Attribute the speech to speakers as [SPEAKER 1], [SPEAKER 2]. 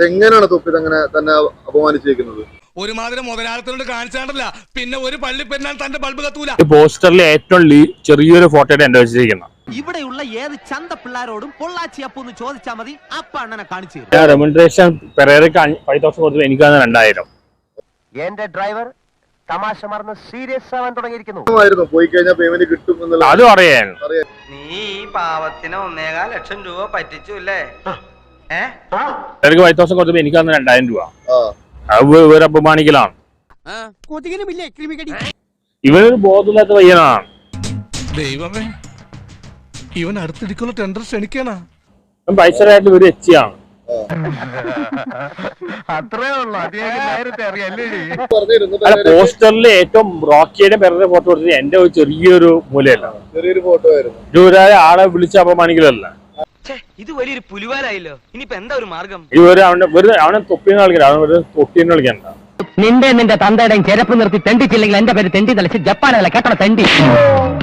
[SPEAKER 1] എങ്ങനെയാണ് തൊപ്പി അങ്ങനെ തന്നെ അപമാനിച്ചിരിക്കുന്നത്?
[SPEAKER 2] ഒരുമാതിരി മുതലാളത്തിനോട് കാണിച്ചാണ്ടല്ല പിന്നെ ഒരു പള്ളി പെരുന്നാൾ തന്റെ ബൾബ് കത്തൂല.
[SPEAKER 3] പോസ്റ്ററിൽ ഏറ്റവും ചെറിയൊരു ഫോട്ടോയുടെ എന്റെ വെച്ചിരിക്കുന്നത്.
[SPEAKER 4] ഇവിടെയുള്ള ഏത് ചന്ത പിള്ളാരോടും പൊള്ളാച്ചി അപ്പൊന്ന് ചോദിച്ചാൽ മതി, അപ്പ അണ്ണനെ കാണിച്ചു തരും.
[SPEAKER 3] റെമ്യൂണറേഷൻ പെരേരക്ക് 5,000 കൊടുത്തു, എനിക്കാണ് 2,000.
[SPEAKER 5] എന്റെ ഡ്രൈവർ തമാശ മറന്ന് സീരിയസ് ആവാൻ തുടങ്ങിയിരിക്കുന്നു.
[SPEAKER 1] പോയി കഴിഞ്ഞാൽ പേയ്മെന്റ് കിട്ടും എന്നുള്ളത്
[SPEAKER 3] അതും അറിയാൻ.
[SPEAKER 6] നീ ഈ പാവത്തിന് 1.25 ലക്ഷം രൂപ പറ്റിച്ചു അല്ലേ?
[SPEAKER 3] പെരേരക്ക് 5,000 കൊടുത്തപ്പോ എനിക്കാണ് 2,000 രൂപ. ഒരു അപമാനിക്കലാണ്. ഇവനൊരു ബോധമില്ലാത്ത പയ്യനാണ്.
[SPEAKER 2] ദൈവമേ, ഇവൻ അടുത്തിടിക്കുള്ള ടെൻഡർ ക്ഷണിക്കണ
[SPEAKER 3] പൈസയായിട്ട് ഒരു എച്ചിയാണ്. പോസ്റ്ററിൽ ഏറ്റവും റോക്കിയുടെ പെരേര ഫോട്ടോ കൊടുത്തത് എന്റെ ഒരു ചെറിയൊരു മൂലയല്ല,
[SPEAKER 1] ചെറിയൊരു ഫോട്ടോ ആയിരുന്നു.
[SPEAKER 3] ഇതുവരെ ആളെ വിളിച്ച് അപമാനിക്കലല്ല.
[SPEAKER 6] ഇത് വലിയൊരു പുലിവാലായല്ലോ. ഇനിയിപ്പോ എന്താ ഒരു മാർഗം?
[SPEAKER 3] ഇവര് അവനെ തൊപ്പിന്ന് കളിക്കണ്ട, അവന് തൊട്ടിന്ന് കളിക്കണ്ട.
[SPEAKER 5] നിന്റെ തന്തയുടെയും ചെരപ്പ് നിർത്തി തെണ്ടിച്ചില്ലെങ്കിൽ എന്റെ പേര് തെണ്ടി തളിച്ച് ജപ്പാനല്ല കേട്ടോ തെണ്ടി.